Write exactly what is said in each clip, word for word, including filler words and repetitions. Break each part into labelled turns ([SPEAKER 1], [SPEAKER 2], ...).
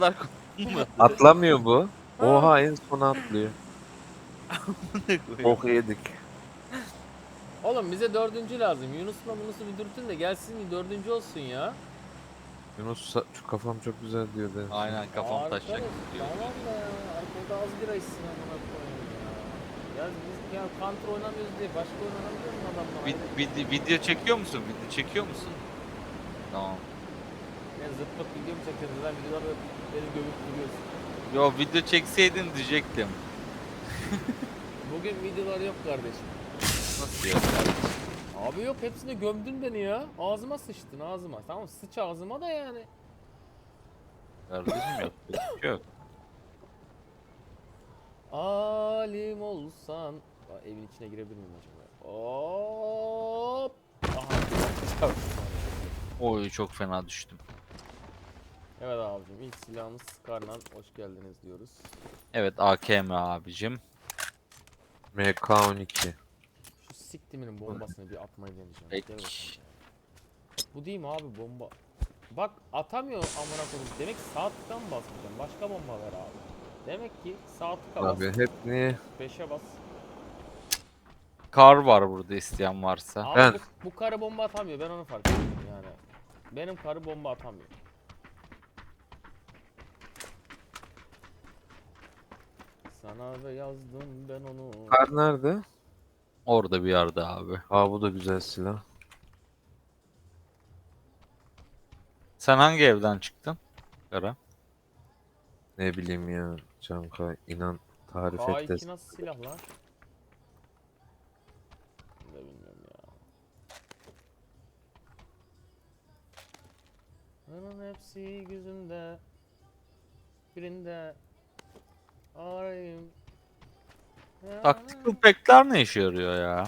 [SPEAKER 1] Bunlar konulmadı.
[SPEAKER 2] Atlamıyor bu. Oha en sona atlıyor. Bok yedik.
[SPEAKER 3] Oğlum bize dördüncü lazım. Yunus'la Yunus'u bir dürtün de gelsin bir dördüncü olsun ya.
[SPEAKER 2] Yunus sa- şu kafam çok güzel diyor en son.
[SPEAKER 1] Aynen kafam
[SPEAKER 3] Arkadaş,
[SPEAKER 1] taşacak diyor.
[SPEAKER 3] tamam da ya. Arkada az bira içsin amına koyayım ya. Ya biz ya counter oynamıyoruz diye başka oyun oynamıyor mu adamla?
[SPEAKER 1] Vid- vid- video çekiyor musun? Video çekiyor musun? Tamam.
[SPEAKER 3] Ben zırt pırt video mu çekiyorsun? Lan videoları beni gömüp duruyorsun.
[SPEAKER 1] Yo video çekseydin diyecektim.
[SPEAKER 3] Bugün videolar yok kardeşim.
[SPEAKER 1] Nasıl ya kardeşim?
[SPEAKER 3] Abi yok hepsini gömdün beni ya. Ağzıma sıçtın ağzıma. Tamam sıç ağzıma da yani.
[SPEAKER 1] Kardeşim yok. Yok. yok.
[SPEAKER 3] Alim olsan. Aa, evin içine girebilir miyim acaba? Hop. Aha.
[SPEAKER 1] Oy çok fena düştüm.
[SPEAKER 3] Evet abicim ilk silahımız Skarnan. Hoş geldiniz diyoruz.
[SPEAKER 1] Evet A K M abicim.
[SPEAKER 2] M K on iki.
[SPEAKER 3] Şu siktiminin bombasını bir atmayı deneyeceğim.
[SPEAKER 1] Peki.
[SPEAKER 3] Gel bakalım ya. Bu değil mi abi bomba? Bak atamıyor amına koyayım. Demek ki sağ tıktan mı basmayacağım? Başka bomba ver abi. Demek ki sağ tıka bas.
[SPEAKER 2] Abi hep niye?
[SPEAKER 3] beşe bas.
[SPEAKER 1] Kar var burada isteyen varsa.
[SPEAKER 3] Abi
[SPEAKER 2] Ben-
[SPEAKER 3] bu, bu karı bomba atamıyor. Ben onu fark ettim yani. Benim karı bomba atamıyor. Sana da yazdım ben onu.
[SPEAKER 2] Kar nerede?
[SPEAKER 1] Orada bir yerde abi.
[SPEAKER 2] Aa bu da güzel silah.
[SPEAKER 1] Sen hangi evden çıktın? Kara.
[SPEAKER 2] Ne bileyim ya. Canka inan tarif
[SPEAKER 3] K
[SPEAKER 2] et de.
[SPEAKER 3] iki nasıl silah lan? Ne bilmiyorum ya. Onun hepsi gözümde. Birinde arayayım.
[SPEAKER 1] Tactical pack'ler ne işe yarıyor ya?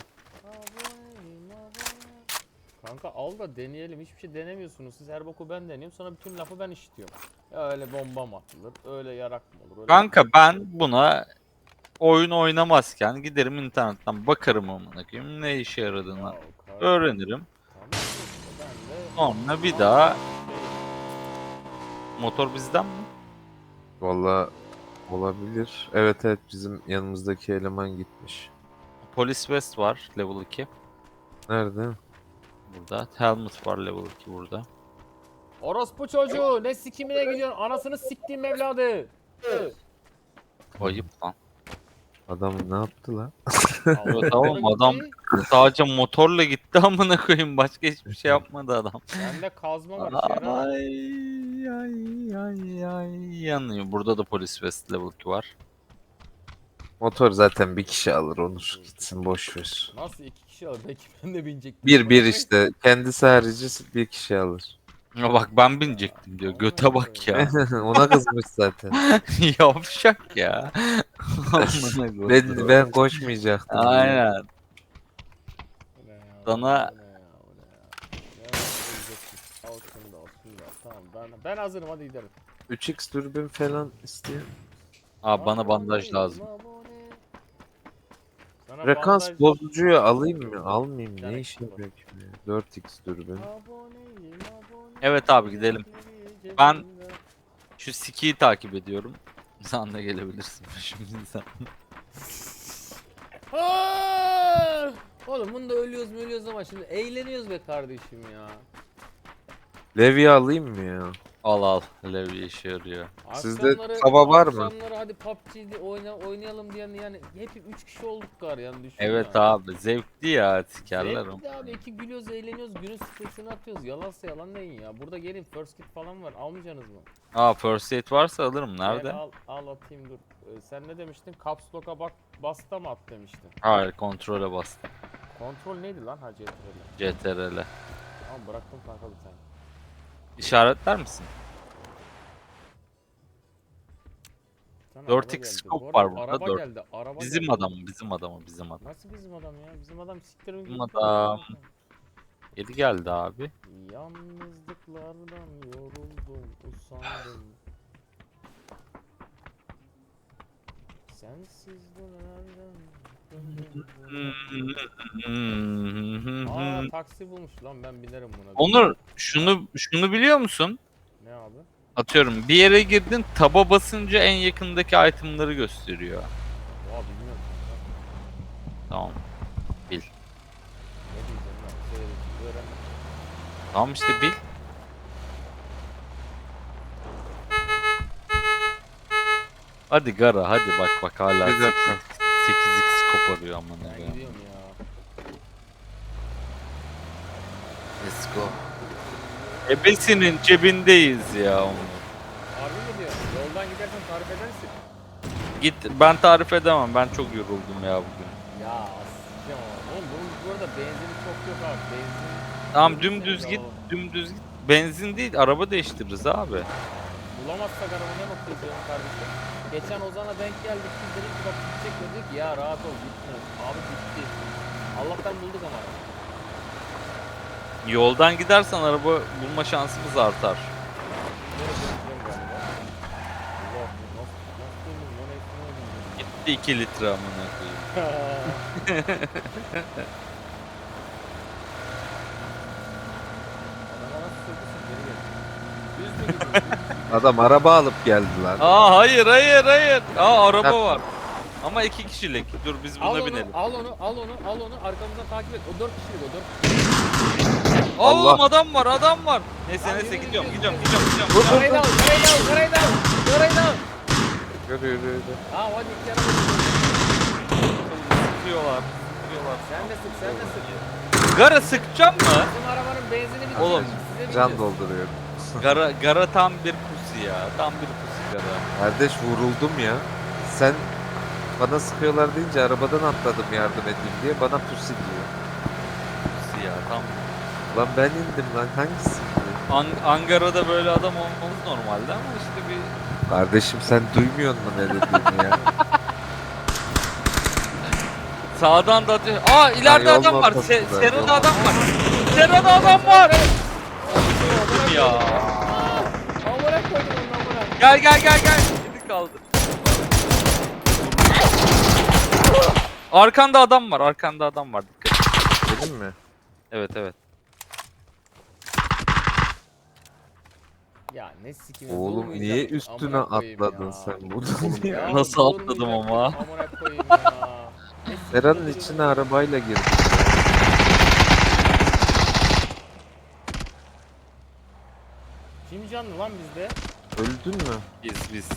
[SPEAKER 3] Kanka al da deneyelim. Hiçbir şey denemiyorsunuz. Siz her boku ben deniyorum. Sonra bütün lafı ben işitiyorum. Ya öyle bomba mı atılır? Öyle yarak mı olur? Öyle
[SPEAKER 1] Kanka ben buna oyun oynamazken giderim internetten bakarım amına koyayım ne işe yaradığını
[SPEAKER 3] Ya, kar-
[SPEAKER 1] öğrenirim.
[SPEAKER 3] Tamam işte ben de-
[SPEAKER 1] Sonra bir daha motor bizden mi?
[SPEAKER 2] Valla olabilir. Evet evet bizim yanımızdaki eleman gitmiş.
[SPEAKER 1] Police West var level iki
[SPEAKER 2] Nerede?
[SPEAKER 1] burada. Helmet var level iki burada.
[SPEAKER 3] Orospu çocuğu ne sikimine gidiyorsun? Anasını siktiğim evladı.
[SPEAKER 1] Ayıp lan.
[SPEAKER 2] Adam ne yaptı lan?
[SPEAKER 1] Evet, tamam adam sadece motorla gitti amına koyayım başka hiçbir şey yapmadı adam.
[SPEAKER 3] Bende kazma var işe yarar.
[SPEAKER 1] Ay ay ay ay yanıyor. Burada da Police West level iki var.
[SPEAKER 2] Motor zaten bir kişi alır Onur. Gitsin boş ver.
[SPEAKER 3] Nasıl iki kişi alır? Belki ben de binecektim.
[SPEAKER 2] Bir bir işte. Kendisi harici bir kişi alır.
[SPEAKER 1] Ya bak ben binecektim diyor. Göte bak ya.
[SPEAKER 2] Ona kızmış zaten.
[SPEAKER 1] Yavşak ya. Amına koyayım.
[SPEAKER 2] Ben, ben koşmayacaktım. diyor.
[SPEAKER 1] Aynen.
[SPEAKER 3] Bu ne ya,
[SPEAKER 1] Sana-
[SPEAKER 3] bu ne ya, bu ne ya? Ne var, ölecektik. Al şunu da, al şunu da. Tamam ben, ben hazırım hadi gidelim.
[SPEAKER 2] üç x dürbün falan istiyor.
[SPEAKER 1] Abi bana bandaj lazım.
[SPEAKER 3] Sana
[SPEAKER 2] Frekans
[SPEAKER 3] bandaj-
[SPEAKER 2] bozucuyu alayım mı? Almayayım.
[SPEAKER 3] Yani
[SPEAKER 2] Ne işe yarıyor ki? dört x dürbün.
[SPEAKER 3] Aboneyim, abone-
[SPEAKER 1] Evet abi, gidelim. Ben- Şu Siki'yi takip ediyorum. Sen de gelebilirsin peşimizden.
[SPEAKER 3] Aa! Oğlum bunda ölüyoruz mu ölüyoruz ama şimdi eğleniyoruz be kardeşim ya.
[SPEAKER 2] Levye alayım mı ya?
[SPEAKER 1] Al al. Levi işe yarıyor.
[SPEAKER 2] Sizde
[SPEAKER 3] Akşamları-
[SPEAKER 2] tava var mı?
[SPEAKER 3] Akşamları hadi P U B G'de oyna, oynayalım diyen yani hep üç kişi olduk gar yani düşün
[SPEAKER 1] Evet
[SPEAKER 3] ya.
[SPEAKER 1] abi zevkli ya sikerler
[SPEAKER 3] Zevkli
[SPEAKER 1] ama.
[SPEAKER 3] abi iki gülüyoruz eğleniyoruz günün stresini atıyoruz yalansa yalan deyin ya. Burada gelin first kit falan var almayacaksınız mı?
[SPEAKER 1] Aa first aid varsa alırım.
[SPEAKER 3] Gel
[SPEAKER 1] Nerede?
[SPEAKER 3] al, al atayım dur. Ee, sen ne demiştin? Caps Lock'a bak basta mı at demiştin.
[SPEAKER 1] Hayır kontrole bastım.
[SPEAKER 3] Kontrol neydi lan ha C T R'le?
[SPEAKER 1] C T R L.
[SPEAKER 3] Tamam bıraktım kanka bir tane.
[SPEAKER 1] İşaretler misin?
[SPEAKER 3] Bir tane
[SPEAKER 1] dört
[SPEAKER 3] araba
[SPEAKER 1] x
[SPEAKER 3] geldi.
[SPEAKER 1] scope
[SPEAKER 3] Bu arada
[SPEAKER 1] var burada,
[SPEAKER 3] Araba
[SPEAKER 1] dört.
[SPEAKER 3] geldi. Araba
[SPEAKER 1] Bizim
[SPEAKER 3] geldi.
[SPEAKER 1] adam, bizim adamı, bizim adam.
[SPEAKER 3] Nasıl bizim adam ya? Bizim adam siktirin
[SPEAKER 1] Bizim
[SPEAKER 3] gidip
[SPEAKER 1] adam.
[SPEAKER 3] kanka.
[SPEAKER 1] Yedi geldi abi.
[SPEAKER 3] Yalnızlıklardan yoruldum, usandım. Sensiz dönerden döndüm. Aa taksi bulmuş lan ben binerim buna.
[SPEAKER 1] Onur şunu şunu biliyor musun?
[SPEAKER 3] Ne abi?
[SPEAKER 1] Atıyorum bir yere girdin, taba basınca en yakındaki itemları gösteriyor.
[SPEAKER 3] Oha bilmiyorum.
[SPEAKER 1] Tamam. Bil.
[SPEAKER 3] Ne diyeceğim ben? Söyle, öğren.
[SPEAKER 1] Tamam işte bil. Hadi Gara hadi bak bak hala
[SPEAKER 2] Bir dakika.
[SPEAKER 1] sekiz x koparıyor amına
[SPEAKER 3] Ben
[SPEAKER 1] koyayım.
[SPEAKER 3] gidiyorum ya.
[SPEAKER 1] Let's go. Ebesinin cebindeyiz ya onu.
[SPEAKER 3] Harbi mi diyorsun? Yoldan gidersen tarif edersin.
[SPEAKER 1] Git ben tarif edemem ben çok yoruldum ya bugün.
[SPEAKER 3] Ya asacağım ama. Oğlum bunun bu arada benzini çok yok abi. Benzin...
[SPEAKER 1] Tamam
[SPEAKER 3] Benzin
[SPEAKER 1] dümdüz
[SPEAKER 3] seni
[SPEAKER 1] git
[SPEAKER 3] alalım.
[SPEAKER 1] dümdüz git. Benzin değil araba değiştiririz abi.
[SPEAKER 3] Bulamazsak araba ne bakıyoruz ya kardeşim? Geçen Ozan'a denk geldik. Biz dedik ki bak gidecek dedik ya rahat ol gitme. Abi gitti. Allah'tan bulduk ama.
[SPEAKER 1] Yoldan gidersen araba bulma şansımız artar.
[SPEAKER 3] Nereye döneceğim galiba? Allah nasıl nasıl döndüm lan hepsini öldürdüm.
[SPEAKER 1] Gitti iki litre amına koyayım.
[SPEAKER 3] Adama nasıl söylüyorsun geri gel. Düz mü gidiyorsun?
[SPEAKER 2] Adam araba alıp geldi lan.
[SPEAKER 1] Aa hayır hayır hayır. Aa araba
[SPEAKER 2] Ha.
[SPEAKER 1] var. Ama iki kişilik. Dur biz
[SPEAKER 3] Al
[SPEAKER 1] buna
[SPEAKER 3] onu,
[SPEAKER 1] binelim.
[SPEAKER 3] al onu, al onu, al onu. Arkamızdan takip et. O dört kişilik o dört.
[SPEAKER 2] Allah.
[SPEAKER 1] Oğlum adam var adam var. Neyse
[SPEAKER 3] Lan
[SPEAKER 1] neyse
[SPEAKER 3] yürü,
[SPEAKER 1] gidiyorum
[SPEAKER 3] yürü,
[SPEAKER 1] gidiyorum
[SPEAKER 3] yürü.
[SPEAKER 1] gidiyorum gidiyorum.
[SPEAKER 2] Dur, dur.
[SPEAKER 3] Karayı da al, karayı da al, karayı da al. Karayı da al.
[SPEAKER 2] Yürü yürü yürü.
[SPEAKER 3] Tamam hadi iki yana bak.
[SPEAKER 1] Sıkıyorlar. Sıkıyorlar.
[SPEAKER 3] Sen de sık, sen de sık.
[SPEAKER 1] Gara sıkacağım mı?
[SPEAKER 3] Bizim arabanın benzini bitti.
[SPEAKER 1] Oğlum,
[SPEAKER 3] Size
[SPEAKER 2] Can
[SPEAKER 3] bineceğiz.
[SPEAKER 2] dolduruyor.
[SPEAKER 1] Gara, gara tam bir pusi ya. Tam bir pusi gara.
[SPEAKER 2] Kardeş vuruldum ya. Sen bana sıkıyorlar deyince arabadan atladım yardım edeyim diye bana pusi diyor.
[SPEAKER 1] Pusi ya tam.
[SPEAKER 2] Lan ben indim lan hangisi?
[SPEAKER 1] An Ankara'da böyle adam olmamız normalde ama işte bir
[SPEAKER 2] Kardeşim sen duymuyor musun ne dediğimi ya?
[SPEAKER 1] sağdan da atıyor. Aa ileride
[SPEAKER 2] yolun
[SPEAKER 1] adam var. Se
[SPEAKER 2] ortasında,
[SPEAKER 1] Serada
[SPEAKER 2] yolun
[SPEAKER 1] adam var. Serada adam var. Ya.
[SPEAKER 3] Amına koydum onu amına.
[SPEAKER 1] Gel gel gel gel. Şimdi kaldı. Arkanda adam var. Arkanda adam var. Dikkat et.
[SPEAKER 2] Dedim mi?
[SPEAKER 1] Evet evet.
[SPEAKER 3] Ya ne sikim.
[SPEAKER 2] Oğlum niye üstüne atladın sen bunu?
[SPEAKER 3] Ya,
[SPEAKER 1] Nasıl
[SPEAKER 3] durmayacak
[SPEAKER 1] atladım
[SPEAKER 3] mıyım?
[SPEAKER 1] ama?
[SPEAKER 3] Amına koyayım ya. Ne sikim
[SPEAKER 2] Sera'nın
[SPEAKER 3] duruyorum
[SPEAKER 2] içine
[SPEAKER 3] ya.
[SPEAKER 2] arabayla girdim.
[SPEAKER 3] Kim canlı lan bizde?
[SPEAKER 2] Öldün mü?
[SPEAKER 1] Biz biz.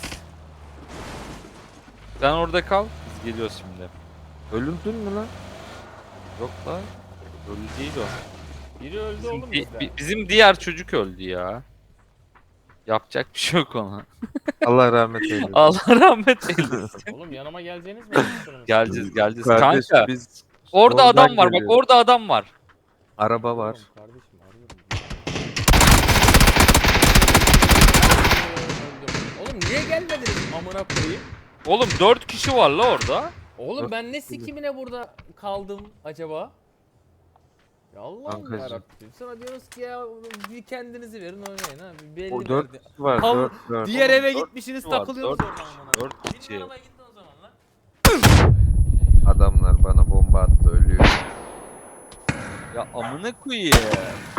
[SPEAKER 1] Sen orada kal. Biz geliyoruz şimdi.
[SPEAKER 2] Öldün mü lan?
[SPEAKER 1] Yok lan. Öldü değil o.
[SPEAKER 3] Biri öldü
[SPEAKER 1] Bizim,
[SPEAKER 3] oğlum
[SPEAKER 1] di-
[SPEAKER 3] bizde.
[SPEAKER 1] bi- bizim diğer çocuk öldü ya. Yapacak bir şey yok ona.
[SPEAKER 2] Allah rahmet eylesin.
[SPEAKER 1] Allah rahmet eylesin.
[SPEAKER 3] Oğlum yanıma geleceğiniz mi?
[SPEAKER 1] geleceğiz geleceğiz.
[SPEAKER 2] Kardeş
[SPEAKER 1] Kanka
[SPEAKER 2] biz
[SPEAKER 1] orada
[SPEAKER 2] soldan
[SPEAKER 1] adam var bak
[SPEAKER 2] geliyoruz.
[SPEAKER 1] orada adam var.
[SPEAKER 2] Araba var.
[SPEAKER 3] Oğlum kardeşim arıyorum. Oğlum niye gelmediniz amına koyayım?
[SPEAKER 1] Oğlum dört kişi var la orada.
[SPEAKER 3] Oğlum ben ne sikimine burada kaldım acaba? Ya Allah'ım
[SPEAKER 2] Kankacığım.
[SPEAKER 3] yarabbim. Sonra diyoruz ki ya bir kendinizi verin oynayın ha. Bir belli
[SPEAKER 2] O
[SPEAKER 3] verdi.
[SPEAKER 2] dört kişi var.
[SPEAKER 3] Hav-
[SPEAKER 2] Dört dört.
[SPEAKER 3] Diğer
[SPEAKER 1] Oğlum,
[SPEAKER 3] eve
[SPEAKER 1] dört
[SPEAKER 3] gitmişsiniz
[SPEAKER 1] kişi var,
[SPEAKER 3] takılıyorsunuz
[SPEAKER 1] dört
[SPEAKER 3] orada
[SPEAKER 1] kişi,
[SPEAKER 3] amına.
[SPEAKER 1] dört
[SPEAKER 3] Benim
[SPEAKER 1] kişi.
[SPEAKER 3] arabaya gittin o zaman lan.
[SPEAKER 2] Adamlar bana bomba attı ölüyor.
[SPEAKER 1] Ya amına koyayım.